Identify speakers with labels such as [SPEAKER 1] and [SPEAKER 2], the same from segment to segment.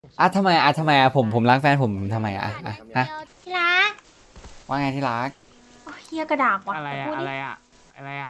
[SPEAKER 1] ทำไมผมรักแฟนผมทำไมฮะ
[SPEAKER 2] ที่รัก
[SPEAKER 1] ว่าไงที่รัก
[SPEAKER 2] โอ้ยเฮียกระดาษว่ะ
[SPEAKER 3] อะไรอะ
[SPEAKER 2] พูดดิ
[SPEAKER 3] อะไรอะอะไรอะ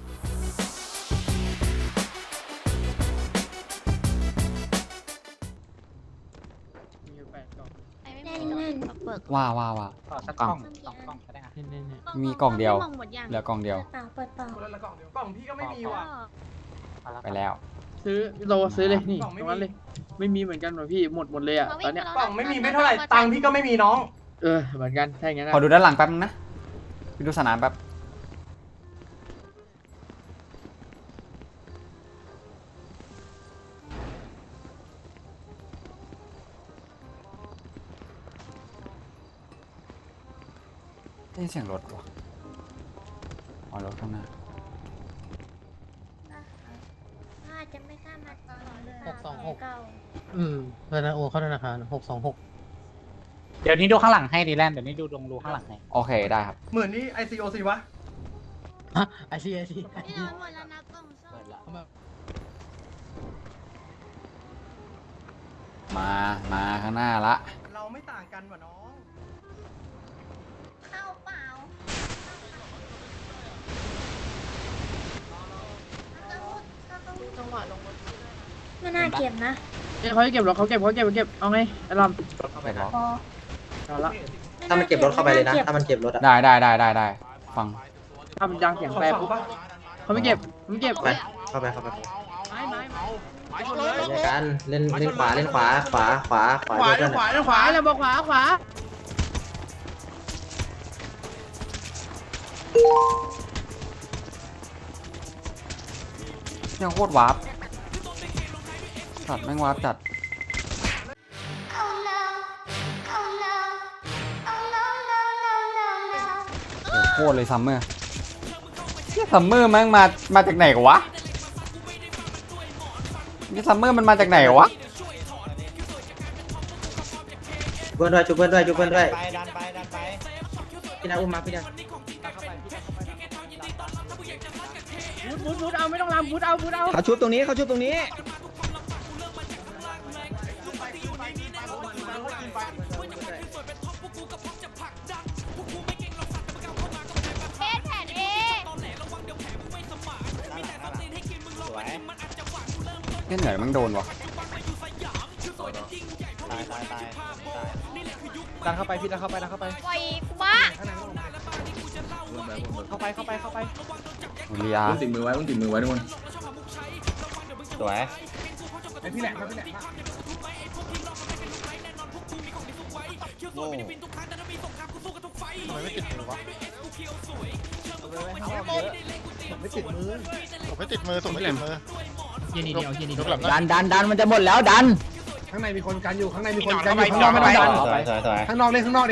[SPEAKER 2] แน่นๆเบิก
[SPEAKER 1] ว่า
[SPEAKER 3] ขอสักกล่อง2 กล่องก็ได้ครับนี่
[SPEAKER 1] มีกล่องเดียว
[SPEAKER 2] มองหมดยัง
[SPEAKER 1] เหลือกล่องเดียว
[SPEAKER 2] เปิดเปล่า
[SPEAKER 4] คนละกล่องเดียวกล่องพี่ก็ไม่มีว่ะ
[SPEAKER 1] ไปแล้ว
[SPEAKER 5] ซื้อเราซื้อเลยนี่
[SPEAKER 4] กล่องไม่
[SPEAKER 5] ต
[SPEAKER 4] มี
[SPEAKER 5] รงนั้นเลยไม่มีเหมือนกันหรอพี่หมดเลยอ่ะตอนเนี้ย
[SPEAKER 4] กล่องไม่มีไม่เท่าไหร่ตังค์พี่ก็ไม่มีน้อง
[SPEAKER 5] เหมือนกันถ้าอย่างนั้น
[SPEAKER 1] ขอดูด้านหลังแป๊บนึงนะไปดูสนามแป๊บได้ยินเสียงรถวะอ๋อรถข้างหน้า
[SPEAKER 2] อาจจะไม่กล้ามาต่อเลย
[SPEAKER 6] 626
[SPEAKER 2] เก่า
[SPEAKER 6] ธนาโอเข้าธนาคาร626
[SPEAKER 3] เดี๋ยวนี้ดูข้างหลังให้ดีแลนด์เดี๋ยวนี้ดูดงรูข้างหลังให้
[SPEAKER 1] โอเคได้ครับ
[SPEAKER 4] เหมือนนี่ ICOC วะ
[SPEAKER 6] ฮะไอซี
[SPEAKER 2] นี่เราหมดแล้วนะกล่องส้ม
[SPEAKER 1] มาข้างหน้าละ
[SPEAKER 4] เราไม่ต่างกันว่ะน้อง
[SPEAKER 2] เข้าเปล่าจังหวะลงรถไม่น่าเก็บนะ
[SPEAKER 5] เขาจะเก็บหรอเขาเก็บเอาไงไอ้ล
[SPEAKER 1] ไปรอ
[SPEAKER 2] พอ
[SPEAKER 5] ำเอาละ
[SPEAKER 7] ถ้ามันเก็บรถเข้าไปเลยนะ ถ้ามันเก็บรถอะ
[SPEAKER 1] ได้ฟัง
[SPEAKER 5] ถ้ามันดังเสียงแปรปุ๊บเขาไม่เก็บ
[SPEAKER 7] ไปเข้าไปเข้าไป
[SPEAKER 5] ไม้
[SPEAKER 7] ในการเล่นขวาเล่นขวาเยอะเพื่อนอะ
[SPEAKER 5] ขวาเลยบอกขวา
[SPEAKER 1] ยังโคตรวาร์ปจัดแม่งวาร์ปจัดโอ้โหโคตรเลยซัมเมอร์ซัมเมอร์แม่งมาจากไหนกันวะนี่ซัมเมอร์มันมาจากไหนวะ
[SPEAKER 7] เพื่อนด้วยจุบเพื่อนด้วยดันไปพี่นาอุ้มมาพี่นา
[SPEAKER 5] บูทเอาไม่ต้องรำบูทเอา
[SPEAKER 7] เขาชุบตรงนี้
[SPEAKER 2] เพชรแผ่นเอ
[SPEAKER 1] เนี่ยเหนื่อยแม่งโดนวะ
[SPEAKER 4] ดันเข้าไปพี่ดันเข้าไป
[SPEAKER 2] ปล่อยกูบ้า
[SPEAKER 4] เข้าไป
[SPEAKER 1] เรีย
[SPEAKER 8] ติดมือไว้ทุกคนสวย
[SPEAKER 4] ไอพี่แหลมไม่ติดมือ
[SPEAKER 9] ผมไม่ติดมือ
[SPEAKER 3] เย็นนี่เดียวเย็นนี่
[SPEAKER 9] ย
[SPEAKER 3] เดี
[SPEAKER 9] ก
[SPEAKER 3] ยว
[SPEAKER 9] หลังนะ
[SPEAKER 5] ดันมันจะหมดแล้วดัน
[SPEAKER 4] ข้างในมีคนกันอยู่ข้างนอกไม่ต้องดัน
[SPEAKER 8] สวย
[SPEAKER 4] ข้างนอกดิ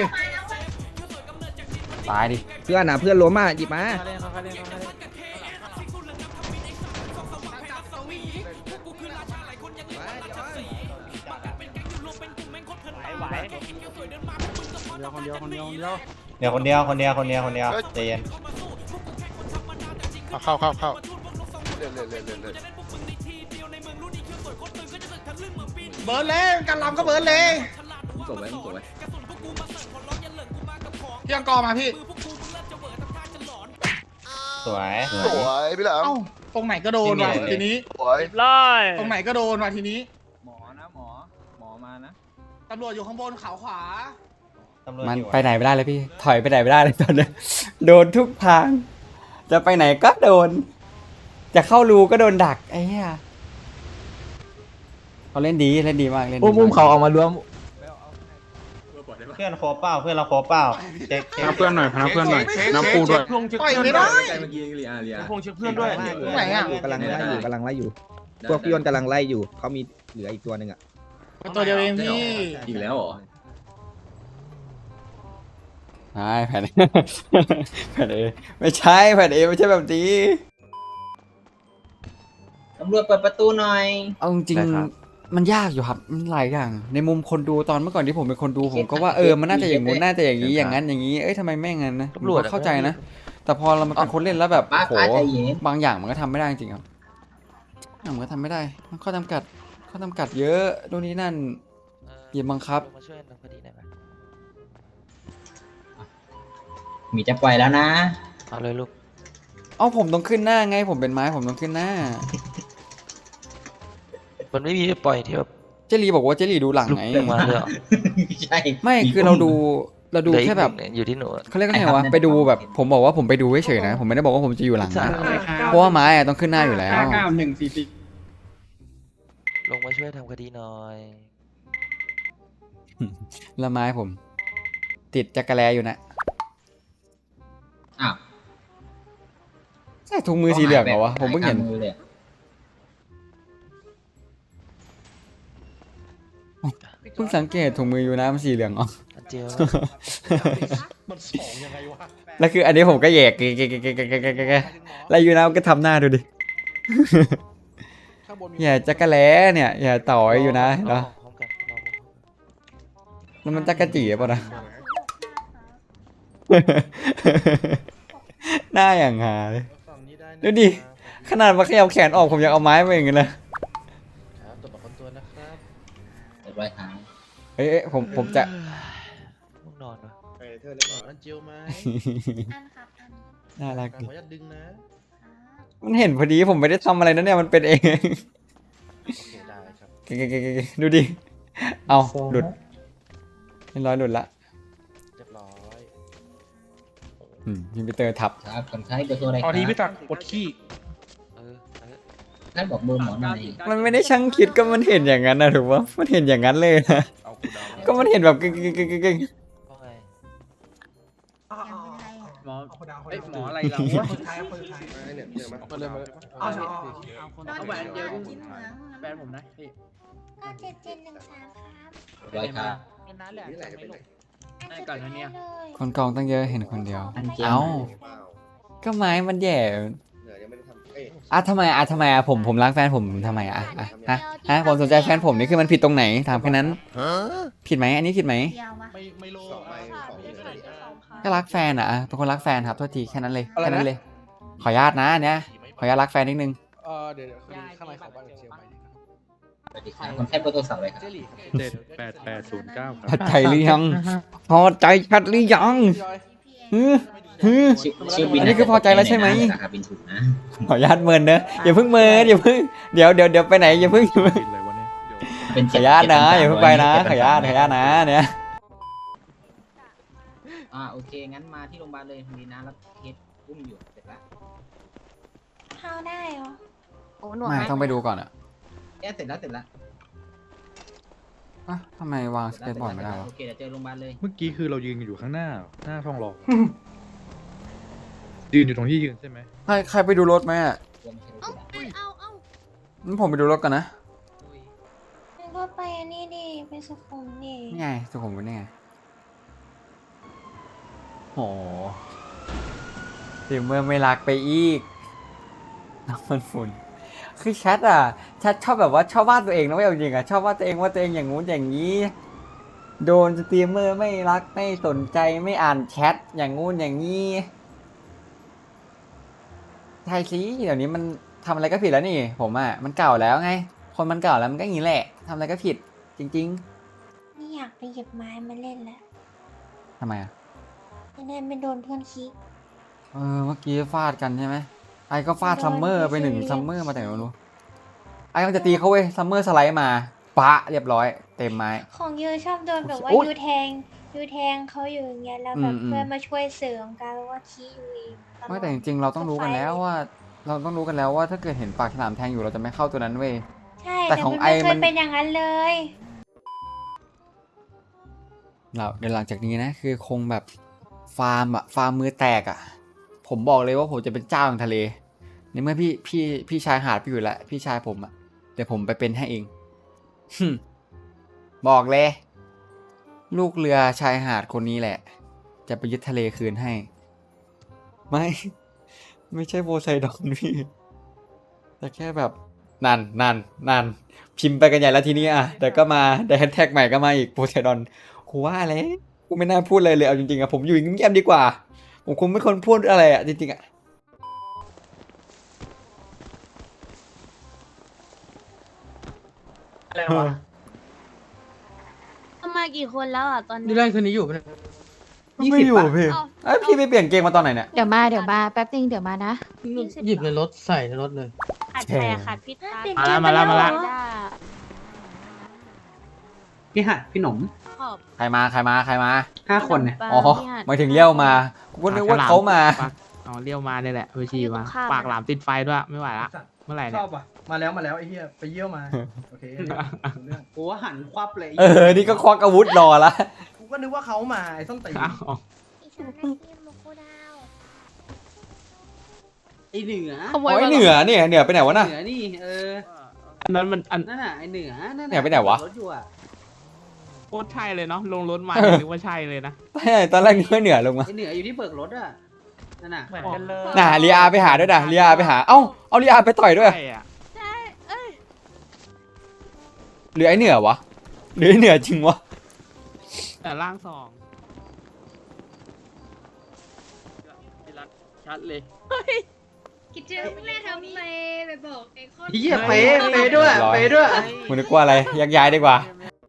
[SPEAKER 1] ตายดิ
[SPEAKER 7] เพื่อนนะเพื่อนล้มอ่ะหยิบมา
[SPEAKER 3] ไหว
[SPEAKER 8] เดี๋ยวคนเดียวใจเย็น
[SPEAKER 9] เข้า
[SPEAKER 4] เบิร์นเลยกันลำก็เบิร์นเลย
[SPEAKER 8] ส่งไว้
[SPEAKER 4] พี่อังกอมาพี่
[SPEAKER 8] สวย
[SPEAKER 9] สวยพี่แหลม
[SPEAKER 4] เอ้าตรงไหนก็โดนว่ะทีนี้
[SPEAKER 9] สวย
[SPEAKER 3] ไล่
[SPEAKER 4] ตรงไหนก็โดนว่ะทีนี้
[SPEAKER 8] หมอมานะ
[SPEAKER 4] ตำรวจอยู่ข้างบนเขาขวา
[SPEAKER 8] ตำรวจ
[SPEAKER 1] มัน
[SPEAKER 8] อยู่
[SPEAKER 1] ไปไหนไม่ได้เลยพี่ถอยไปไหนไม่ได้เลยตอนนี้โดนทุกทาง จะไปไหนก็โดน จะเข้ารูก็โดนดักไอ้เหี้ยเขาเล่นดีมากเล่นดี
[SPEAKER 7] อุ้มเขาออกมารวม
[SPEAKER 8] เพื่อนโคเป้าเพื่อนเราโคเป้าเช็ค
[SPEAKER 3] พาเพื่อนหน่อยน้ำปูด้วย
[SPEAKER 4] ต่อยไม่ได้
[SPEAKER 8] เมื่อกี้เรีย
[SPEAKER 3] พงเช็คเพื่อนด้วย
[SPEAKER 4] ตรงไหนอ่ะ
[SPEAKER 7] กำลังไล่อยู่พวกพี่ยนต์กำลังไล่อยู่เขามีเหลืออีกตัวหนึ่งอ่ะ
[SPEAKER 4] ตัวเดียวเองพี่
[SPEAKER 8] อีกแล้วเหรอ
[SPEAKER 1] ใช่แผ่น แผ่นเอไม่ใช่แผ่นเอไม่ใช่แบบนี้
[SPEAKER 7] ตำรวจเปิดประตูหน่อย
[SPEAKER 1] เอาจริงๆมันยากอยู่ครับมันหลายอย่างในมุมคนดูตอนเมื่อก่อนที่ผมเป็นคนดูผมก็ว่ามันน่าจะอย่างงู้นน่าจะอย่างนี้อย่างนั้นอย่างนี้ทำไมแม่งงั้นนะตำรวจเข้าใจนะแต่พอเรามาเป็นคนเล่นแล้วแบบโหบางอย่างมันก็ทำไม่ได้จริงครับมันก็ทำไม่ได้มันข้อจำกัดเยอะโน่นนี่นั่นอย่าบังคับ
[SPEAKER 8] มาช่วยทำคดีได้ไหม
[SPEAKER 7] มีจะปล่อยแล้วนะ
[SPEAKER 8] เอาเลยลูก
[SPEAKER 1] เอ้าผมต้องขึ้นหน้าไง ผมเป็นไม้ผมต้องขึ้นหน้า
[SPEAKER 8] มันไม่มีปล่อยที่แบบ
[SPEAKER 1] เจลีบอกว่าเจลีดูหลัง
[SPEAKER 8] ลุก
[SPEAKER 1] ไง
[SPEAKER 8] ลงมาเลยเหรอ
[SPEAKER 7] ใช่
[SPEAKER 1] ไม่คือเราดูแค่แบบ
[SPEAKER 8] เหลืออีกหนึ่งอยู่ที่หนู
[SPEAKER 1] เขาเรียกว่าไงวะไปดูแบบผมบอกว่าผมไปดูเฉยๆนะ ผมไม่ได้บอกว่าผมจะอยู่หลังนะเพราะว่าไม้อะต้องขึ้นหน้าอยู่แล้ว
[SPEAKER 8] ลงมาช่วยทำคดีหน่อย
[SPEAKER 1] แล้วไม้ผม ติดจักรแลอยู่นะ
[SPEAKER 7] อ้าว
[SPEAKER 1] ใช่ถุงมือสีเหลืองเหรอวะผมเพิ่งเห็น
[SPEAKER 7] มือเลย
[SPEAKER 1] เพิ่งสังเกตถุงมืออยู่นะมันสีเหลืองอ๋อ
[SPEAKER 8] อันเจล
[SPEAKER 9] มันสองยังไงวะ
[SPEAKER 1] แล้วคืออันนี้ผมก็แยกแล้วอยู่นะมันก็ทำหน้าดูดิ
[SPEAKER 9] ข้างบนมี
[SPEAKER 1] อย่าจักรแลเนี่ยอย่าต่อยอยู่นะเห็นปะ
[SPEAKER 8] พร้อมกันรอ
[SPEAKER 1] แล้วมันจักรจีป่ะนะ หน้าอย่างหาเลย
[SPEAKER 9] ฝั่งนี้ได้นะ
[SPEAKER 1] ดูดิ ขนาดมาขยับแขนออกผมยังเอาไม้มาอย่างเงี้ยเลย
[SPEAKER 9] ครับตัวประกันตัวนะครับ
[SPEAKER 7] เรียบร้อยครับ
[SPEAKER 1] เอ้ยผมจะ
[SPEAKER 8] ง่วงนอนวะ
[SPEAKER 9] เอ้ยเธอเล่นอันเจียวไหม
[SPEAKER 2] อันครับอัน
[SPEAKER 1] น่ารัก
[SPEAKER 9] ขอ
[SPEAKER 1] ดิ
[SPEAKER 9] อนุญาตดึงนะ
[SPEAKER 1] มันเห็นพอดีผมไม่ได้ทำอะไรนะเนี่ยมันเป็นเอง
[SPEAKER 9] โอเคได้ครับ
[SPEAKER 1] ดูดิ เอาหลุดเรียบร้อยหลุดละ
[SPEAKER 9] เรียบร้อย
[SPEAKER 1] พี่ปีเตอร์ทับ
[SPEAKER 7] ครับคนไข้เบอร์โทรอะไรค
[SPEAKER 4] เอา
[SPEAKER 7] รับ
[SPEAKER 4] ทีพี่ตักกดขี้
[SPEAKER 8] เออ
[SPEAKER 7] ท่านบอกเบอร์หมอหน่อย
[SPEAKER 1] มันไม่ได้ช่างคิดก็มันเห็นอย่างนั้นนะถูกปะมันเห็นอย่างนั้นเลยนะ
[SPEAKER 9] เอากูดาว
[SPEAKER 1] ก็มันเห็นแบบกึ่ง
[SPEAKER 8] ว่าไง
[SPEAKER 2] ยังเป็นไรอ่ะ
[SPEAKER 5] หมอ
[SPEAKER 4] เอ้ย
[SPEAKER 5] หมออะไรเรา
[SPEAKER 4] คนไทยคนไทย
[SPEAKER 9] เนี่ยเนี่ยมาเลยมาเลย
[SPEAKER 5] เอา
[SPEAKER 2] เอา
[SPEAKER 5] แหวนเดียว
[SPEAKER 2] สีเหลือง
[SPEAKER 5] แฟนผมนะพี่
[SPEAKER 2] ก็7713ครับ
[SPEAKER 7] เรียบร้อยครับ
[SPEAKER 3] เป็นนั้นแหละ
[SPEAKER 9] นี่แหละจะเป็นไร
[SPEAKER 5] ได้ก่อนนะเนี่ย
[SPEAKER 1] คนกองตั้งเยอะเห็นคนเดียว
[SPEAKER 7] อันเจล
[SPEAKER 1] เอ้า
[SPEAKER 9] เปล่า
[SPEAKER 1] ก็ไม้มันแย่
[SPEAKER 9] เหนือยังไม่ได้ทำเอ้ย
[SPEAKER 1] ทำไมผมรักแฟนผมทำไมผมสนใจแฟนผมนี่คือมันผิดตรงไหนถามแค่นั้น ผิดไหมอันนี้ผิดไหม
[SPEAKER 2] เดียววะ
[SPEAKER 9] ไม่โล
[SPEAKER 8] สองใบ
[SPEAKER 1] ก็รักแฟนอ่ะเป็นคนรักแฟนครับโทษทีแค่นั้นเลยแค่นั้นเลย ขออนุญาตนะเนี่ยขออนุญาตรักแฟนนิดนึง
[SPEAKER 9] เดี๋ยวข้างในของบ้านเจียวไป
[SPEAKER 7] สวัสดีครับคนไข้เบอร์โทรศัพท์อะไรครับ
[SPEAKER 9] เจลี่
[SPEAKER 4] 78809
[SPEAKER 1] พอใจหรือยังพอใจชัดหรือยังฮึฮึ
[SPEAKER 7] ชื่อบิน
[SPEAKER 1] อันนี้คือพอใจแล้วใช่ไหม
[SPEAKER 7] ราคาบินถูกนะ
[SPEAKER 1] ขออนุญาตเมินเนอะอย่าเพิ่งเมินอย่าเพิ่งเดี๋ยวไปไหนอย่าเพิ่ง
[SPEAKER 7] เป็น
[SPEAKER 1] ขออนุญาตนะอย่าเพิ่งไปนะขออนุญาตนะเนี่ย
[SPEAKER 7] โอเคงั้นมาที่โรงพยาบาลเลยดีนะรับเคสอุ้มอยู่เสร็จแล้ว
[SPEAKER 2] เข้าได้เหรอ
[SPEAKER 10] โอ้หนวด
[SPEAKER 1] ไม่
[SPEAKER 10] ไหม
[SPEAKER 1] ต้องไปดูก่อนอ่ะ
[SPEAKER 7] เสร็จแล้ว
[SPEAKER 1] ทำไมวางสเก็ตบอร์ดไม่ได้วะ
[SPEAKER 7] โอเคเดี๋ยวเจอโรงพยาบาลเลย
[SPEAKER 4] เมื่อกี้คือเรายืนอยู่ข้างหน้าท้องรอยืนอยู่ตรงที่ยืนใช่ไหม
[SPEAKER 1] ใครไปดูรถไหมอ่ะ
[SPEAKER 7] กลัวไม่ใช่รถกูนะ
[SPEAKER 1] งั้นผมไปดูรถกันนะ
[SPEAKER 2] งั้นก็ไปอันนี้ดิไปสุขุมดิ
[SPEAKER 1] นี่ไงสุขุมวิทนี่ไงโอ้เดี๋ยวเมื่อไม่รักไปอีกน้ำมันฝุ่นคือแชทชอบแบบว่าชอบวาดตัวเองนะไม่เอาจริงอ่ะชอบวาดตัวเองอย่างงู้นอย่างนี้ โดนสตรีมเมอร์ไม่รักไม่สนใจไม่อ่านแชทอย่างงู้นอย่างนี้ใช่สิเดี๋ยวนี้มันทำอะไรก็ผิดแล้วนี่ผมอ่ะมันเก่าแล้วไง คนมันเก่าแล้วมันก็อย่างนี้แหละทำอะไรก็ผิดจริง
[SPEAKER 2] นี่อยากไปหยิบไม้มาเล่นแล้ว
[SPEAKER 1] ๆทำไมอ่ะ
[SPEAKER 2] จะได้ไม่โดนเพื่อนคิก
[SPEAKER 1] เมื่อกี้ฟาดกันใช่ไหมไอ้ก็ฟาดซัมเมอร์ไปหนึ่งซัมเมอร์มาแต่ไหนไม่รู้ไอ้มันจะตีเขาเว้ยซัมเมอร์สไลด์มาปะเรียบร้อยเต็มไม้
[SPEAKER 2] ของยูชอบโดนแบบว่า
[SPEAKER 1] โอ๊ย
[SPEAKER 2] ยูแทงเขาอยู่อย่างเงี้ยแล้วแบบ
[SPEAKER 1] อืม
[SPEAKER 2] เพื่อนมาช่วยเสริมกันแล้วว่าคิอยู่เองตลอด
[SPEAKER 1] ไม่แต่จริงๆเราต้องรู้กันแล้วว่า เราต้องรู้กันแล้วว่าถ้าเกิดเห็นปากฉลามแทงอยู่เราจะไม่เข้าตัวนั้นเว้ย
[SPEAKER 2] ใช่
[SPEAKER 1] แต่
[SPEAKER 2] แต่
[SPEAKER 1] ของ
[SPEAKER 2] มัน
[SPEAKER 1] ไอ
[SPEAKER 2] ไม่เค
[SPEAKER 1] มั
[SPEAKER 2] ย
[SPEAKER 1] น
[SPEAKER 2] เป็นอย่างนั้นเลย
[SPEAKER 1] เดี๋ยวหลังจากนี้นะคือคงแบบฟาร์มมือแตกผมบอกเลยว่าผมจะเป็นเจ้าของทะเลในเมื่อพี่ชายหาดไปอยู่แล้วพี่ชายผมเดี๋ยวผมไปเป็นให้เอง บอกเลย ลูกเรือชายหาดคนนี้แหละ จะไปยึดทะเลคืนให้ ไม่ใช่โพไซดอนพี่แต่แค่แบบนั่นพิมพ์ไปกันใหญ่แล้วทีนี้แต่ก็มาแต่แฮชแท็กใหม่ก็มาอีกโพไซดอนกูว่าอะไรกูไม่น่าพูดอะไรเลยเอาจริงๆผมอยู่เงียบๆดีกว่าผมคงไม่ควรพูดอะไรจริงๆ
[SPEAKER 3] อะไรวะ
[SPEAKER 2] กี่คนแล้วอ่ะตอน
[SPEAKER 6] ดี
[SPEAKER 2] นี้
[SPEAKER 6] แลนด์คืนนี้อยู่ปะเนี่ย
[SPEAKER 1] ไม่อยู่พี่ไอยพี่ไปเปลี่ยนเกงมาตอนไหนเนี่ย
[SPEAKER 10] เดี๋ยวมาแป๊บนึงเดี๋ยวมานะ
[SPEAKER 6] หยิบในรถใส่ในรถเลย
[SPEAKER 2] ขาดใครอะขาดพี่ตา
[SPEAKER 3] มาแล้ว
[SPEAKER 5] พี่หัดพี่หนม
[SPEAKER 2] ขอบ
[SPEAKER 1] ใครมา
[SPEAKER 5] 5 คนเนี่ย
[SPEAKER 1] อ๋อหมายถึงเลี้ยวมากูก็นึกว่าเขามา
[SPEAKER 3] อ๋อเลี้ยวมาเนี่ยแหละไปชีมาปากหลามติดไฟด้วยไม่ไหวละเมื่อไหร่
[SPEAKER 4] ช
[SPEAKER 3] เนี่ย
[SPEAKER 4] อบอ่ะมาแล้วไอ้เหี้ยไปเยี่ยวมาโอเครู้เรื่อง
[SPEAKER 5] กูว่าหันควับเลย
[SPEAKER 1] นี่ก็ควักอาวุธรอละ
[SPEAKER 4] กูก็นึกว่าเขามาไอ้ส้นตีน
[SPEAKER 3] อ้าว
[SPEAKER 2] อีฉันได้ทีมลูกโคดาว
[SPEAKER 5] ไอเหนือ
[SPEAKER 10] ขโม
[SPEAKER 1] โอ้
[SPEAKER 10] ย
[SPEAKER 1] ย
[SPEAKER 10] มา
[SPEAKER 1] เหนือเนี่ยเหนือไปไหนวะน่ะ
[SPEAKER 5] เหนือนี่
[SPEAKER 3] อันนั้นมันอัน
[SPEAKER 5] นั่นน่ะไอเหนือนั่น
[SPEAKER 1] เนี่ยไปไหนวะ
[SPEAKER 5] รถอยู่อ่ะ
[SPEAKER 3] โคตรใช่เลยเนาะลงรถมานึกว่าใช่เลยนะ
[SPEAKER 1] ใช่ตอนแรกนึกว่าเหนือลงมา
[SPEAKER 5] ไอเหนืออยู่ที่เบิกรถอ่ะนั่นน่ะ
[SPEAKER 3] เหมือนกันเลย
[SPEAKER 1] น่ะเรียอาไปหาด้วยนะเรียอาไปหาเอาเรียอาไปต่อยด้วย
[SPEAKER 3] ใช่อะ
[SPEAKER 1] หรือไอเหนือวะหรือไอเหนือจริงวะ
[SPEAKER 3] แต่ร่างสอง
[SPEAKER 5] ชัดเลย
[SPEAKER 2] คิดเจอแม่ทำไมไปบอกไอ้ข้อ
[SPEAKER 5] เฮียเป๊ะด้วยเป๊ะด้วย
[SPEAKER 1] มึงนึกว่าอะไรยักย้ายดีกว่า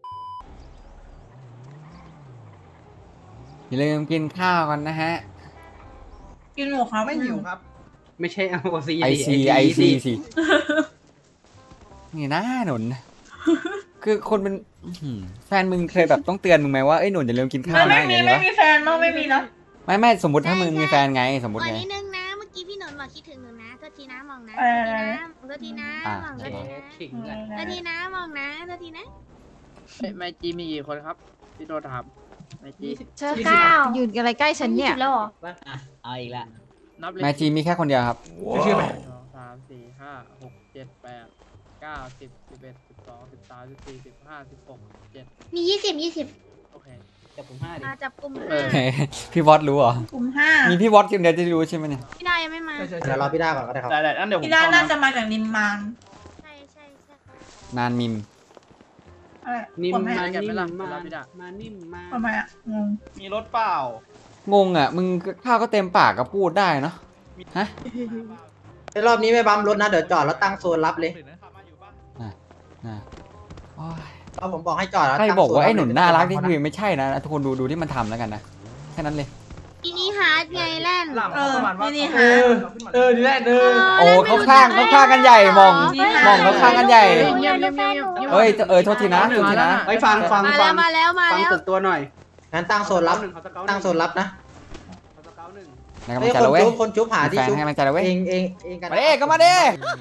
[SPEAKER 1] อย่าลืมกินข้าวกันนะฮะ
[SPEAKER 4] กินหมูครับไม่หิวครับ
[SPEAKER 5] ไม่ใช่เอาซี
[SPEAKER 1] ไอซีสินี่นะหนุนคือคนเป็นแฟนมึงเคยแบบต้องเตือนมึงไหมว่าเอ้ยหนุนอย่าลืมกินข้าวนะอย่างเงี้ย
[SPEAKER 4] ไม่มีแฟนมั้งไม่มีนะ
[SPEAKER 1] ไม่สมมติถ้ามึงมีแฟนไงสมมติ
[SPEAKER 2] วัน
[SPEAKER 1] ไง
[SPEAKER 2] นิดนึงนะเมื่อกี้พี่หนนบอกคิดถึงหนูนะโทษทีนะมองนะโทษทีนะมองโทษทีนะ
[SPEAKER 5] ขิงกัน
[SPEAKER 2] โทษทีนะมองนะโทษทีนะ
[SPEAKER 5] ไมจีมีกี่คนครับพี่โดถามไมจี
[SPEAKER 10] เชอก้ายืนอะไรใกล้ฉันเนี่ย
[SPEAKER 2] แล้วเหรอ
[SPEAKER 5] เอาอีกละนับเลย
[SPEAKER 1] แมจีมีแค่คนเดียวครับ
[SPEAKER 4] ชื่ออะไร
[SPEAKER 5] 2 3 4 5 6 7 8 9 10 11 12 13 14 15 16 17
[SPEAKER 2] มี20
[SPEAKER 5] โอเคจับผม5ดิ
[SPEAKER 2] มาจับกลุ่ม
[SPEAKER 1] พี่วอตรู้เหรอ
[SPEAKER 4] กลุ่มห้า
[SPEAKER 1] มีพี่วอตคนเดียวจะรู้ใช่ไหมเนี่ย
[SPEAKER 2] พี่ดายังไม่มา
[SPEAKER 7] เดี๋ยวรอพี่ด้าก่อนก็ได้ครับ
[SPEAKER 5] ได้ๆนั่นเดี๋ยวผม
[SPEAKER 4] พี่ด้าน่าจะมาจากนิมมาน
[SPEAKER 2] ใช่
[SPEAKER 1] นานมิม
[SPEAKER 4] อะไร
[SPEAKER 5] นิ่ม
[SPEAKER 4] ผม
[SPEAKER 5] มา
[SPEAKER 4] ให้
[SPEAKER 5] นิ่มมานิ่มมา
[SPEAKER 4] ทำไมอ่ะงง
[SPEAKER 8] มีรถเปล่า
[SPEAKER 1] งงอ่ะมึงข้าวก็เต็มปากก็พูดได้เนาะฮะ
[SPEAKER 7] รอบนี้ไม่บัมรถนะเดี๋ยวจอดแล้วตั้งโซนรับเลย
[SPEAKER 1] น่ะโอ้ย
[SPEAKER 7] เพราะผมบอกให้จอดแล้ว
[SPEAKER 1] ใคร
[SPEAKER 7] ตั้ง
[SPEAKER 1] บอก
[SPEAKER 7] โซ
[SPEAKER 1] ว่าไอ้หนุนน่ารัก
[SPEAKER 7] เดี๋
[SPEAKER 1] นี่
[SPEAKER 7] ยว
[SPEAKER 1] คือไม่ใช่นะทุกคนดูที่มันทำแล้วกันนะแค่นั้นเลย
[SPEAKER 2] อีนี่ฮาร์ดไงแล่น
[SPEAKER 4] นี่ฮะดีแลนด์
[SPEAKER 1] โอ้เขาข้างกันใหญ่มองเขาข้างกันใหญ่ เฮ้ยโทษทีนะ
[SPEAKER 5] ไปฟัง
[SPEAKER 2] มาแล้ว
[SPEAKER 5] ฟังตึกตัวหน่อย
[SPEAKER 7] งั้นตั้งโซนรับตั้งโซนรับนะ
[SPEAKER 1] ในกำลั
[SPEAKER 7] เฮ้
[SPEAKER 1] ง
[SPEAKER 7] ย
[SPEAKER 1] ใจ
[SPEAKER 7] คน
[SPEAKER 1] แล้วเว้ย
[SPEAKER 7] จุ๊บคนจุ๊บหาที่
[SPEAKER 1] แฟน
[SPEAKER 7] จุ๊บ
[SPEAKER 1] ให้กำลังใจแล้วเว้ย
[SPEAKER 7] เองกัน
[SPEAKER 1] มาดิก็มาดิ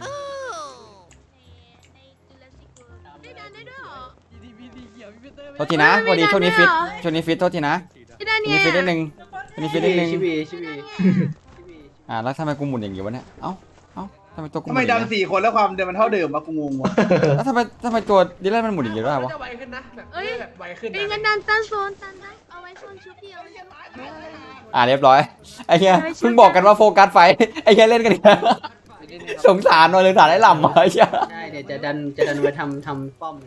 [SPEAKER 2] ได้ดันได้ด้วยเหรอ
[SPEAKER 1] โทษทีนะพอดีช่วงนี้ฟิตโทษทีนะ
[SPEAKER 2] ได้ดัน
[SPEAKER 1] ช่วง
[SPEAKER 2] เนี่
[SPEAKER 1] นี้
[SPEAKER 2] ย
[SPEAKER 1] ฟิตนิดนึงช่วงนี้ฟิตนิดนึง
[SPEAKER 5] ชิบี
[SPEAKER 1] แล้วทำไมกูหมุนอย่างงี้วะเนี่ยเอ้าทำไมตัวกูห
[SPEAKER 8] ทำ
[SPEAKER 1] มุ
[SPEAKER 8] ไม
[SPEAKER 1] นอย่าง
[SPEAKER 8] ดัน
[SPEAKER 1] งี้
[SPEAKER 8] 4 คนแล้วความเดิมมันเท่าเดิมวะกูงงวะ
[SPEAKER 1] แล้วทำไมตัวดิแลนมันหมุนอย่างงี้ด้วยวะ
[SPEAKER 4] จะไวขึ้นนะแบบแบบไวขึ้น
[SPEAKER 2] เป็นกันดันตั้งโซนตันได้เอาไว้โซนชุดเดียว
[SPEAKER 1] เรียบร้อยไอ้เหี้ยเพิ่งบอกกันว่าโฟกัสไฟไอ้เหี้ยเล่นกันอีกแล้วสงสารหน่อยเลยสารไอ้หล่ำมาไอ้เหี้ย
[SPEAKER 5] ได้เดี๋ยวจะดันไปทำป้อม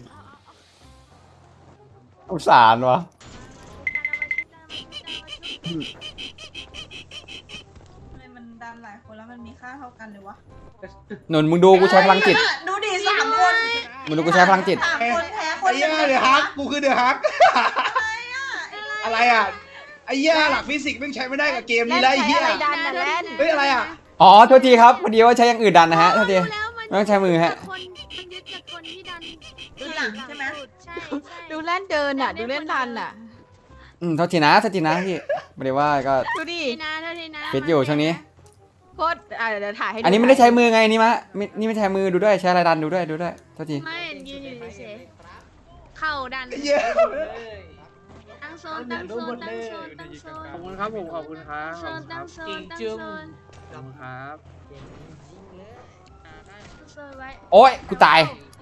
[SPEAKER 1] สงสารวะ
[SPEAKER 4] มันดันหลายคนแล้วมันมีค่าเท่ากันเลยวะ
[SPEAKER 1] หนุนมึงดูกูใช้พลังจิต
[SPEAKER 4] ดูดิ3 คน
[SPEAKER 1] มึงดูกูใช้พลังจิต
[SPEAKER 4] 3 คนแพ้ค
[SPEAKER 8] ไอ้
[SPEAKER 4] น
[SPEAKER 8] เหี้ยเดือดฮักกูคือเดือดฮักอะไรอ่ะไอ้เหี้ยหลักฟิสิกส์ไม่งใช้ไม่ได้กับเกมนี้แล้วไอ้เหี้ย
[SPEAKER 10] ดันนะแล่น
[SPEAKER 8] เฮ้ยอะไรอ่ะ
[SPEAKER 1] อ๋อโทษทีครับพอดีว่าใช้อย่างอื่นดันนะฮะโทษที ไม่ต้องใช้มือฮะ
[SPEAKER 2] มันยึดจากคนที่ดัน
[SPEAKER 4] ดูหลังใช่ไหม
[SPEAKER 2] ใช่
[SPEAKER 10] ดูแล่นเดินอ่ะ ดูเล่นดันอ่ะ
[SPEAKER 1] โทษทีนะพี่ไม่ได้ว่าก็
[SPEAKER 10] ดูดิ
[SPEAKER 2] ทีนะทีนะ
[SPEAKER 1] ฟิตอยู่ช่วงนี้
[SPEAKER 10] โคตรเดี๋ยวถ่ายให้ดู
[SPEAKER 1] อันนี้ไม่ได้ใช้มือไงนี่มะนี่ไม่ใช้มือดูด้วยใช้อะไรดันดูด้วยโทษที
[SPEAKER 2] ไม่ยืนอยู่เฉยๆเข่าดัน
[SPEAKER 8] ไอ้เหี้ย
[SPEAKER 2] ตั้งโซนตั้งโซนตั้งโซนตั้งโซน
[SPEAKER 5] ขอบคุณครับผมขอบคุณครับ
[SPEAKER 2] โซนตั้งโซนตั้งโซน
[SPEAKER 5] ขอบคุณครับ
[SPEAKER 2] โซนไว้
[SPEAKER 1] โอ๊ยกูตาย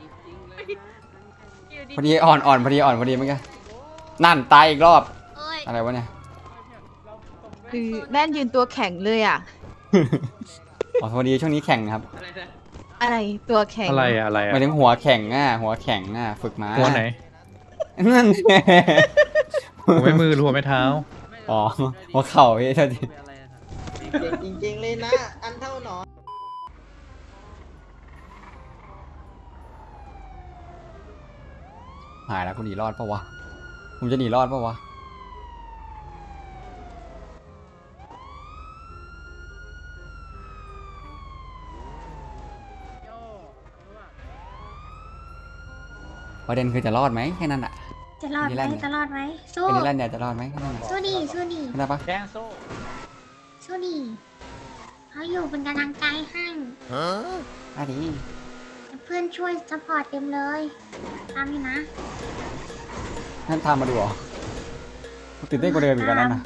[SPEAKER 2] อยู่ดี
[SPEAKER 1] พอดีอ่อนพอดีเมื่อกี้นั่นตายอีกรอบ
[SPEAKER 2] เอ้ย
[SPEAKER 1] อะไรวะเนี่ย
[SPEAKER 10] คือแล่นยืนตัวแข็งเลยอ่ะ
[SPEAKER 1] อ๋อพอดีช่วงนี้แข่งครับ
[SPEAKER 10] อะไรตัวแข็ง
[SPEAKER 3] อะไร
[SPEAKER 1] หมายถึงหัวแข่งฝึกมาหัวไหนนั่นไง
[SPEAKER 3] หัวไม่มือหัวไม่เท้า
[SPEAKER 1] อ๋อหัวเข่าพี่โทษที
[SPEAKER 7] เก่งจริงๆเลยนะ อันเท่าหนอน
[SPEAKER 1] หายแล้วกูหนีรอดปะวะผมจะหนีรอดปะวะ
[SPEAKER 5] โย่ตำรวจ
[SPEAKER 1] ประเด็นคือจะรอดไหมแค่นั้นอะ
[SPEAKER 2] จะรอดไหมจะรอดไหมสู้
[SPEAKER 1] เป็นนิรันดร์เนี่ยจะรอดไหมแค่นั้นอะ
[SPEAKER 2] สู้ดิสู้ดิ
[SPEAKER 1] เข้าใจปะ
[SPEAKER 5] แดงโซ่
[SPEAKER 2] สู้ดิเขาอยู่เป็นกำลังใจให้
[SPEAKER 1] อ่ะดี
[SPEAKER 2] เพื่อนช่วยซัพพอร์ตเต็มเลยตามนี่นะ
[SPEAKER 1] ท่านทำมาดูเหรอตื่นเต้นกว่าเดิมอีกแล้วนั่นนะ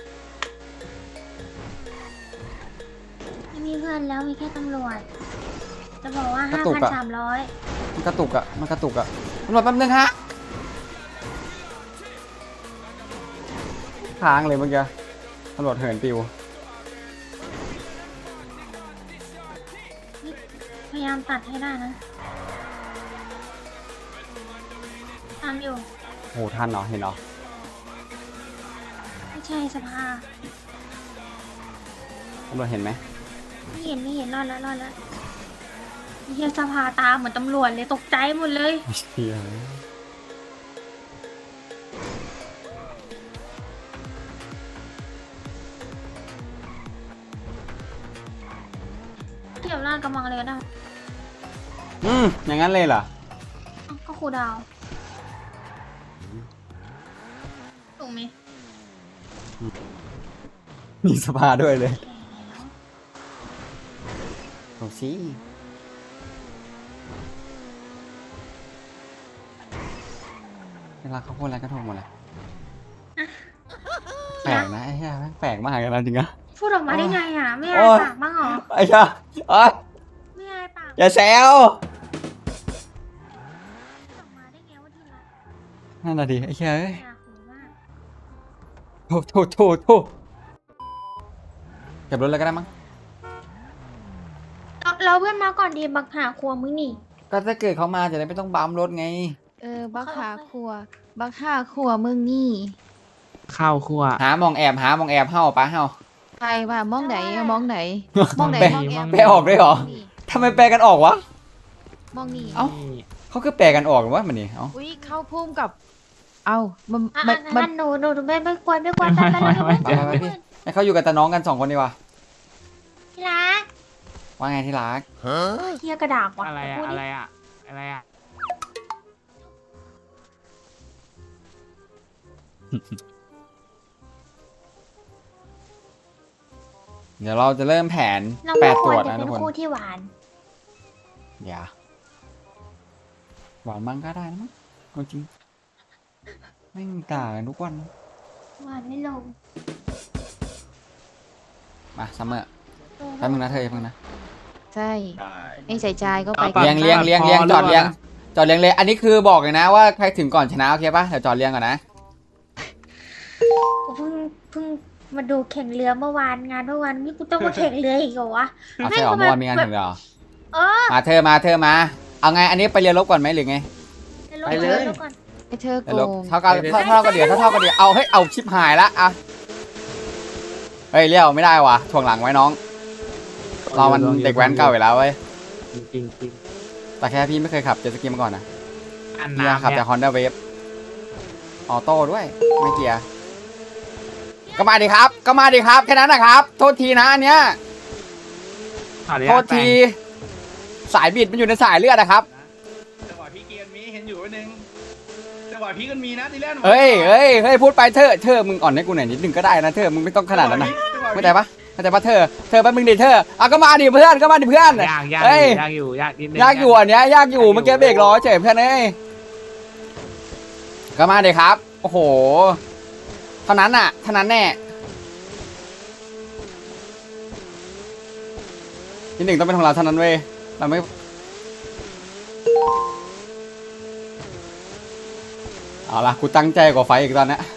[SPEAKER 2] ไม่มีเพื่อนแล้วมีแค่ตำรวจ จะบอกว่า 5,300
[SPEAKER 1] มันกระตุกอะมันกระตุกอะตำรวจแป๊บนึงฮะค้างเลยเมื่อกี้ตำรวจเหินปิว
[SPEAKER 2] พยายามตัดให้ได้นะตามอยู่
[SPEAKER 1] โหทันเหรอเห็นเหรอ
[SPEAKER 2] ไม่ใช่สภา
[SPEAKER 1] ตำรวจเห็นไหม
[SPEAKER 2] ไม่เห็นรอดแล้วเฮียสภาตาเหมือนตำรวจเลยตกใจหมดเลย
[SPEAKER 1] เฮีย
[SPEAKER 2] เกี่ยวหน้ากำลังเลยก็ได้
[SPEAKER 1] อย่างนั้นเลยเหรอ
[SPEAKER 2] อ้าวก็ครูดาวถูกไหม
[SPEAKER 1] มีสภาด้วยเลยโอ้สิเวลาเขาพูดอะไรก็ถูกหมดเลยแปลกนะไอ้เหี้ยแม่งแปลกมากเลยนะจริงอะ
[SPEAKER 2] พูดออกมาได้ไงอ่ะ ไม่อาย
[SPEAKER 1] โอ้ย
[SPEAKER 2] ปากบ้างเหรอ
[SPEAKER 1] ไอ้เหี้ยเอ้ย
[SPEAKER 2] ไม่อายปาก
[SPEAKER 1] อย่าแซว
[SPEAKER 2] พูดออกมาได้ไงว่าที่รัก
[SPEAKER 1] นั่นน่ะดิไอ้เหี้ยเอ้ย
[SPEAKER 2] อยากหูมาก
[SPEAKER 1] โถเก็บรถเลยก็ได้มั้ง
[SPEAKER 2] เราเพื่อนมาก่อนดีบักหาครัวมึงนี่
[SPEAKER 1] ก็ถ้าเกิดเขามาจะได้ไม่ต้องบัมรถไง
[SPEAKER 10] บักหาครัว บักหาครัวมึงนี่
[SPEAKER 3] ข้าวคั่ว
[SPEAKER 1] หามองแอบเห่าปะเห่า
[SPEAKER 10] ใครว่ามองไหนมองไหน
[SPEAKER 3] มองไหน
[SPEAKER 10] มองแอบ
[SPEAKER 1] แปลออกด้วยเหรอ ทำไมแปลกันออกวะ
[SPEAKER 10] มองนี่
[SPEAKER 1] เอ้า เขาคือแปลกันออกหรือว่ามันนี่เอ้า
[SPEAKER 10] อุ้ยเข้าพุ่มกับ เอามัน
[SPEAKER 2] อ่ะ
[SPEAKER 10] มันมัน
[SPEAKER 2] หนูไม่ควรไปไปเลย
[SPEAKER 1] ไปพี่ให้เขาอยู่กับแต่น้องกัน2 คนดีกว่า
[SPEAKER 2] ที่รัก
[SPEAKER 1] ว่าไงที่รัก
[SPEAKER 2] เฮียกระดาษว่ะ
[SPEAKER 3] อะไรอะ
[SPEAKER 2] พูดดิ
[SPEAKER 3] อะไรอะอะไรอะ
[SPEAKER 1] เดี๋ยวเราจะเริ่มแผน
[SPEAKER 2] เราไม่
[SPEAKER 1] 8
[SPEAKER 2] ค
[SPEAKER 1] ตร
[SPEAKER 2] วร
[SPEAKER 1] วจ
[SPEAKER 2] จะ
[SPEAKER 1] นะ
[SPEAKER 2] เป็
[SPEAKER 1] ทุ
[SPEAKER 2] น
[SPEAKER 1] กคน
[SPEAKER 2] คู่ที่หวาน
[SPEAKER 1] อย่าหวานมั่งก็ได้นะมั้งเอาจริงไม่มีต่างกันทุกวันนะ
[SPEAKER 2] หวานไม่ลง
[SPEAKER 1] มาซัมเมอร์แป๊บนึงนะเธอแป๊บนึงนะ
[SPEAKER 10] ใช่ไม่ใส่ใจก็ไป
[SPEAKER 1] เลี้ยงจอดเลี้ยงเลย อันนี้คือบอกเลยนะว่าใครถึงก่อนชนะโอเคปะเดี๋ยวจอดเลี้ยงก่อนนะ
[SPEAKER 2] กูเพิ่งมาดูแข่งเรือเมื่อวานงานเมื่อวานนี่กูต้องมาแข่งเรืออีกเหรอวะ
[SPEAKER 1] เอาใช่หรอเมื่อวานมีงานถึงเหรอ
[SPEAKER 2] เออ
[SPEAKER 1] มาเธอมาเอาไงอันนี้ไปเรียนลบก่อนไหมหรือไง
[SPEAKER 2] ไปเลยก่อน
[SPEAKER 10] ไอ้เธอ
[SPEAKER 1] เรียน
[SPEAKER 10] โก
[SPEAKER 1] ลบ
[SPEAKER 10] ง
[SPEAKER 1] เท่ากันเดี๋ยวเท่ากันเดี๋ยวเอาให้เอาชิปหายละอ่ะเฮ้ยเลี้ยวไม่ได้ว่ะถ่วงหลังไว้น้องเรามันเด็กแว้นเก่าอยู่แล้วเว้ย
[SPEAKER 3] จริงจริง
[SPEAKER 1] แต่แค่พี่ไม่เคยขับเจ็ตสกีมาก่อนนะ
[SPEAKER 3] อัน
[SPEAKER 1] พี่
[SPEAKER 3] น้ำ
[SPEAKER 1] ขับ
[SPEAKER 3] เนี่
[SPEAKER 1] แต่
[SPEAKER 3] ย
[SPEAKER 1] Honda Wave ออโต้ด้วยไม่เกียร์ก็มาดิครับแค่นั้นนะครับ โทษทีนะอันเนี้ย
[SPEAKER 3] ขออนุ
[SPEAKER 1] โท
[SPEAKER 3] ญา
[SPEAKER 1] ษ
[SPEAKER 3] ตแต่ง
[SPEAKER 1] ทีสายบิดมันอยู่ในสายเลือดนะครับ
[SPEAKER 8] จังหวะพี่เกียร์มีเห็นอยู่ไว้หนึ่งจังหวะพี่กันมีนะทีแรก
[SPEAKER 1] เฮ้ยพูดไปเธอมึงอ่อนให้กูหน่อยนิดนึงก็ได้นะเธอมึงไม่ต้องขนาดนั้นนะเข้าใจปะเธอแป๊บนึงดิเธออ่ะก็มาดิเพื่อน
[SPEAKER 3] ยาก
[SPEAKER 1] เฮ้ย
[SPEAKER 3] อยู่ยากนิดนึง
[SPEAKER 1] ยากอยู่อันเนี้ยยากอยู่เมื่อกี้เบรกล้อเฉยเพื่อนเอ้ยก็มาดิครับโอ้โหเท่านั้นแน่ที่หนึ่งต้องเป็นของเราเท่านั้นเว้ยเราไม่เอาล่ะกูตั้งใจกว่าไฟอีกตอนเนี้ย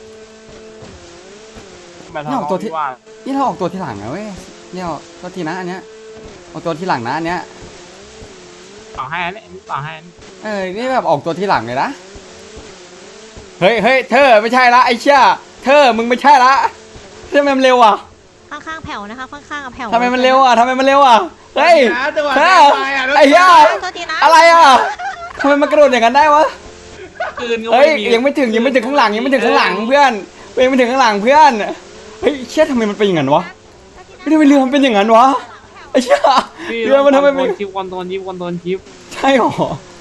[SPEAKER 3] มาทำตัวที่ว่า
[SPEAKER 1] นี่เราออกตัวที่หลังนะเว้ยเนี่ยตัวทีนะอันเนี้ยออกตัวที่หลังนะอันเนี้ย
[SPEAKER 3] ต่อให้อันนี้ต่อให้อันนี้
[SPEAKER 1] นี่แบบออกตัวที่หลังเลยนะเฮ้ยเธอไม่ใช่ละไอ้เชี่ยเธอมึงไม่ใช่ละทำไมมันเร็วอ่ะ
[SPEAKER 2] ข้างๆแผ่วนะคะข้างๆแผ่ว
[SPEAKER 1] ทำไมมันเร็วอ่ะเฮ้ย
[SPEAKER 8] จังหวะ
[SPEAKER 1] เธ
[SPEAKER 8] แร
[SPEAKER 1] อก
[SPEAKER 8] ไปอ่ะ
[SPEAKER 1] ไอ้เหี้ย
[SPEAKER 2] โทษทีนะ
[SPEAKER 1] อะไรอ่ะทำไมมันกระโดดอย่างนั้นได้วะ
[SPEAKER 3] คืนก็
[SPEAKER 1] เฮ้ย
[SPEAKER 3] ไม่มี
[SPEAKER 1] ยังไม่ถึงข้างหลังยังไม่ถึงข้างหลังเพื่อนยังไม่ถึงข้างหลังเพื่อนเฮ้ยเชี่ยทำไมมันเป็นอย่างนั้นวะไม่ได้เรือมันเป็นอย่างนั้นวะไอ้เชี่ยเรือมันทำไมเป็น
[SPEAKER 3] ชิปคอนโทรลชิปคอนโทรลชิป
[SPEAKER 1] ใช่หรอ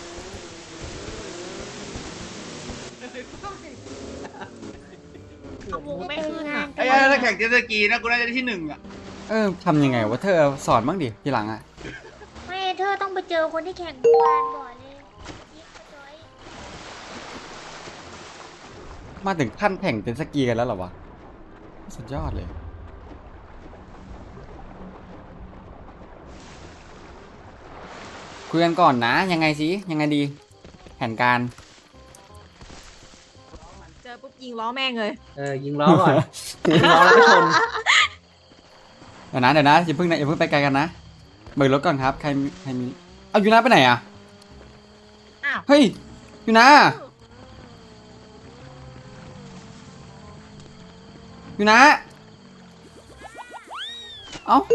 [SPEAKER 2] ไม่คืนงาน
[SPEAKER 8] ไอ้ถ้าแข่งเจ็ตสกีนะกูน่าจะได้ที่1อ่ะ
[SPEAKER 1] ทำยังไงวะเธอสอนบ้างดิทีหลังอ่ะ
[SPEAKER 2] ไม่เธอต้องไปเจอคนที่แข่งเมื่อวานก่อนเลยยิบกระจอย
[SPEAKER 1] มาถึงขั้นแข่งเจ็ตสกีกันแล้วเหรอวะสุดยอดเลยคุยกันก่อนนะยังไงสิยังไงดีแผนการ
[SPEAKER 10] เจอปุ๊บยิงล้อแม่งเลย
[SPEAKER 7] ยิงล้อก่อนยิงล้อแล้วชน
[SPEAKER 1] เดี๋ยวนะอย่าเพิ่งไปไกลกันนะเบิกรถก่อนครับใครมีเอายูนาไปไหนอ่ะ
[SPEAKER 10] อ้าว
[SPEAKER 1] เฮ้ยยูนาเอ้า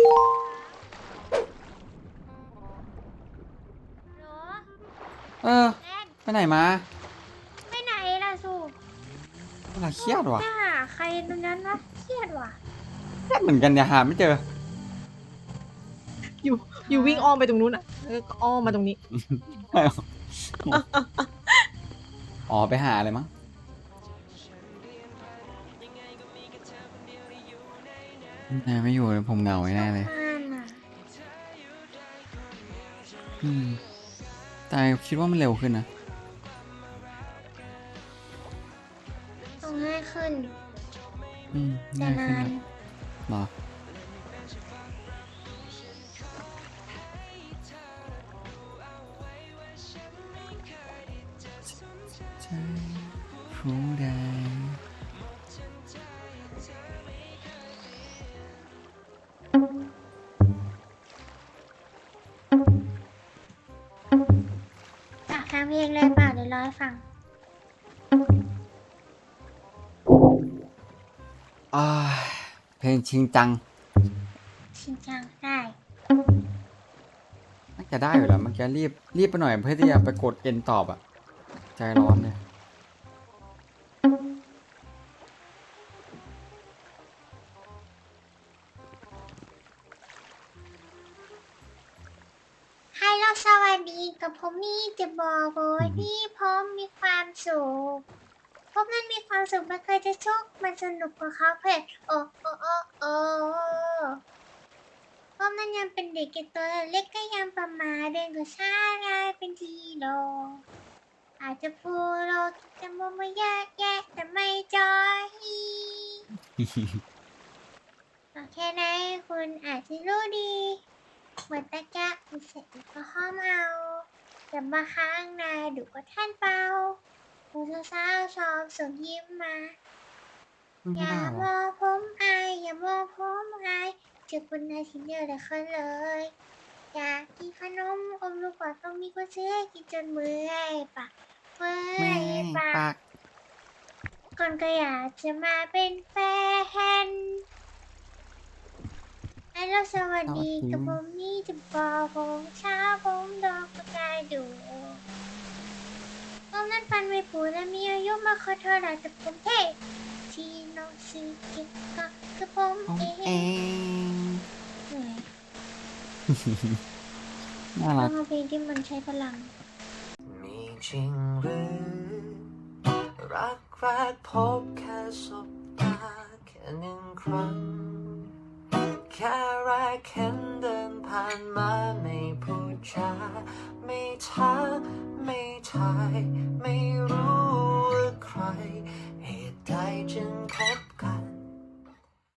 [SPEAKER 2] เหรอ
[SPEAKER 1] เออ
[SPEAKER 2] แล่น
[SPEAKER 1] ไปไหนมา
[SPEAKER 2] ไปไหนล่ะสู
[SPEAKER 1] อะไรเครียดว่ะ
[SPEAKER 2] ไปหาใครตรงนั้นวะเครียดว่ะ
[SPEAKER 1] เครียดเหมือนกันเนี่ยหาไม่เจอ
[SPEAKER 10] อยู่วิ่งอ้อมไปตรงนู้นอ่ะก็อ้อมมาตรงนี้
[SPEAKER 1] อ๋อไปหาอะไรมั้งนายไม่อยู่เลยผมเหงาแน่เลย
[SPEAKER 2] บ้านอ่ะ
[SPEAKER 1] แต่คิดว่ามันเร็วขึ้นนะ
[SPEAKER 2] ต้องง่ายขึ้น แต่
[SPEAKER 1] ง่ายขึ้น
[SPEAKER 2] นาน
[SPEAKER 1] นะหรอใช่ผู้ใด
[SPEAKER 2] อ่ะทำเพลงเลยเปล่าเดี๋ยวร้อยฟัง
[SPEAKER 1] เพลงชิงจัง
[SPEAKER 2] ชิงจังได้
[SPEAKER 1] น่าจะได้อยู่แล้วเมื่อกี้รีบไปหน่อยเพื่อที่จะไปกดเอ็นตอบอ่ะ ใจร้อนเลย
[SPEAKER 2] ให้เราสวัสดีกับผมนี่จะบอกว่าที่ผมมีความสุขผมนั้นมีความสุขไม่เคยจะทุกข์มันสนุกกว่าเขาเพื่อนโอ้โอ้โอ้โอ้ผมนั้นยังเป็นเด็กตัวเล็กก็ยังประมาเดินก็ช้ากลายเป็นทีโลอาจจะพูดโลคิดจะมุมว่าแยกแยะแต่ไม่จอยก็แค่ไหนคุณอาจจะรู้ดีเหมือนตะกะมีเสร็จก็ห้อมเอาแต่มาค้างนายดูก็ท่านเปล่าผู้สาวชอบส่งยิ้มมา
[SPEAKER 1] ไม่
[SPEAKER 2] อย่า
[SPEAKER 1] ได้
[SPEAKER 2] ม
[SPEAKER 1] วะ
[SPEAKER 2] องผมอายอย่ามองผมอายเจอคนนายทิ้งเยอะเลยคนเลย อยากกินขนมอมลูกกว่าต้องมีคนซื้อให้กินจนเมื่อยปากเมื่อยปากก่อนก็อยากจะมาเป็นแฟนให้เราสวัสดีกับผมนี่จะบอกผมเช้าผมดอกกระจายดูผมนั้นฟันไม่ปูและมีอายุมาขอโทษแต่ผมเท่ที่น้องซีกิก็คือผมเองเหนื่อย
[SPEAKER 1] น่า
[SPEAKER 2] ต้
[SPEAKER 1] รั
[SPEAKER 2] อก งเอาเพลงที่มันใช้พลัง
[SPEAKER 11] มีจริงหรือรักแรกพบแค่สบตาแค่หนึ่งครั้งแค่แรกเห็นเดินผ่านมาไม่พูดจาไม่ทักไม่ทายไม่รู้